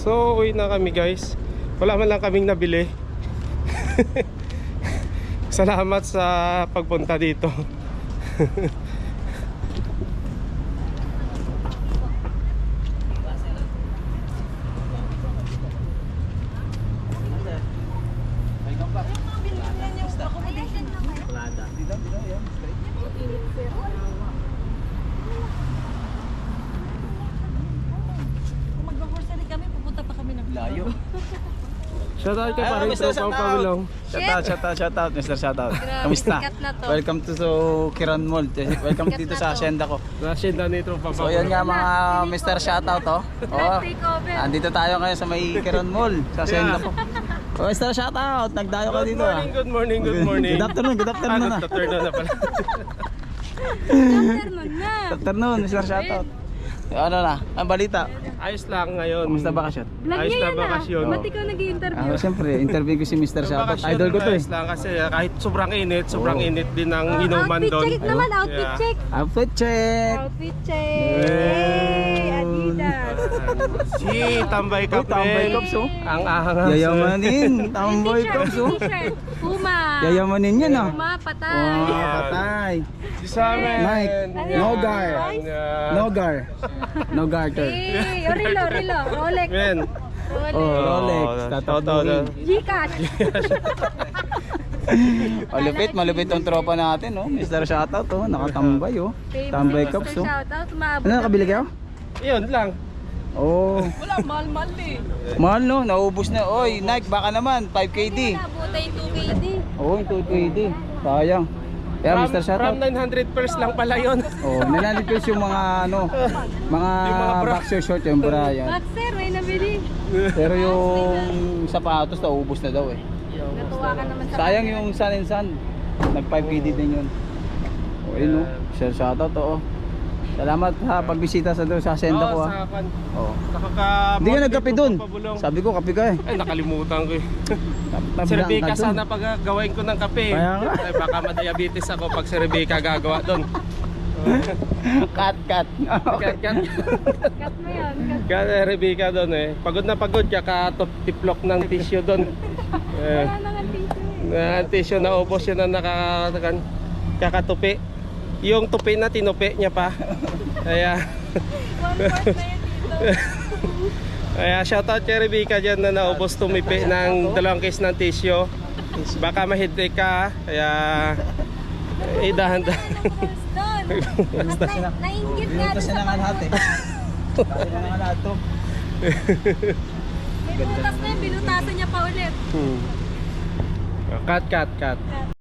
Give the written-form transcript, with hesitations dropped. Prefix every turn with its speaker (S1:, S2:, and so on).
S1: So uwi na kami guys. Wala man lang kaming nabili. Salamat sa pagpunta dito.
S2: Layo.
S1: Shoutout kay paring tropang Pamilong.
S2: Shoutout, Mr. Shoutout. Kamusta? Welcome to Kiran Mall. Welcome dito sa asyenda ko.
S1: Nasyenda ni tropang
S2: So yan nga mga Mr. Shoutout oh. Oh. Andito tayo ngayon sa may Kiran Mall sa asyenda ko. Oh, Mr. Shoutout, nagdayo ka dito ah.
S1: Good morning.
S2: Good afternoon na.
S1: Good afternoon na pala.
S2: Good afternoon, Mr. Shoutout. Ano na? Ang balita?
S1: Ayos lang ngayon.
S2: Kumusta bakasyon?
S1: Ayos na bakasyon.
S3: Ba't ikaw nag-i-interview?
S2: Siyempre, interview ko si Mr. Shoutout.
S1: Bakasyon,
S2: Idol ko to eh.
S1: ayos lang kasi kahit sobrang init din ang inuman
S3: Outfit
S1: doon.
S3: check naman, outfit
S1: Yeah.
S3: check.
S2: Outfit check!
S3: Outfit check. Hey, Adidas.
S1: Si Tambay
S2: Oh,
S1: Kape.
S2: Tambay Cups oh.
S1: Ang ahang.
S2: Yayamanin, Tambay
S3: T-shirt,
S2: Cups oh.
S3: T-shirt. Puma.
S2: Yayamanin yan ah.
S3: Puma, patay.
S2: Wow, patay.
S1: Si Samen.
S2: Nike. Nogar.
S1: Nogar.
S2: No-garter.
S3: Hey, Rilo. Rolex.
S1: Men.
S2: Oh, Rolex. Tatakbuhin.
S3: Gcash.
S2: Malupit ang tropa natin oh. Mr. Shoutout oh, nakatambay oh. Tambay Cups oh.
S3: Shoutout, maabot.
S2: Ano nakabili kayo?
S1: Yun lang.
S2: Oh.
S3: Wala, mahal eh.
S2: Mahal no, naubos na. Oy, Nike baka naman 5KD.
S3: Nabutay 2KD.
S2: Oh, 2KD. Sayang. Kaya Mr.
S1: From
S2: Shoutout.
S1: 900 pairs lang pala yun.
S2: Oh, nilalipis yung mga ano, mga
S1: Yung mga bra.
S2: boxer short yung bra yan.
S3: Boxer, may nabili.
S2: Pero yung sapatos naubos na daw eh.
S3: Natuwa ka naman sa
S2: Sayang yung Sun and Sun. Nag 5KD din yun. Oh, ayun oh. Sir shoutout oh. Salamat sa pagbisita sa doon sa senda ko ah. Oh. Hindi ka nagkape doon. Sabi ko kape ka eh.
S1: Ay, nakalimutan ko eh. Si
S2: Nabilang
S1: Rebecca
S2: ka dun.
S1: sana pag gawin ko ng kape.
S2: Kaya nga.
S1: Ay, baka ma-diabetes ako pag si Rebecca gagawa doon.
S2: Cut.
S1: Kat.
S3: cut mo yun.
S1: Kaya Rebecca doon eh. Pagod na pagod ka tiplok ng tissue doon.
S3: Wala na nga tissue.
S1: Ang tissue na ubos yun na kakatupi. Yung tupi na tinupi niya pa. Kaya
S3: 1/4 na yan dito.
S1: Kaya shoutout kay Rebecca dyan na naubos tumipi ng 2 case ng tissue. Baka ma-headache ka. Kaya dahan-dahan.
S3: Almost done. At nainggit nga doon sa
S2: lahat eh. Kaya nga lahat to.
S3: may butas na yun, binutasan niya pa ulit.
S1: Cut.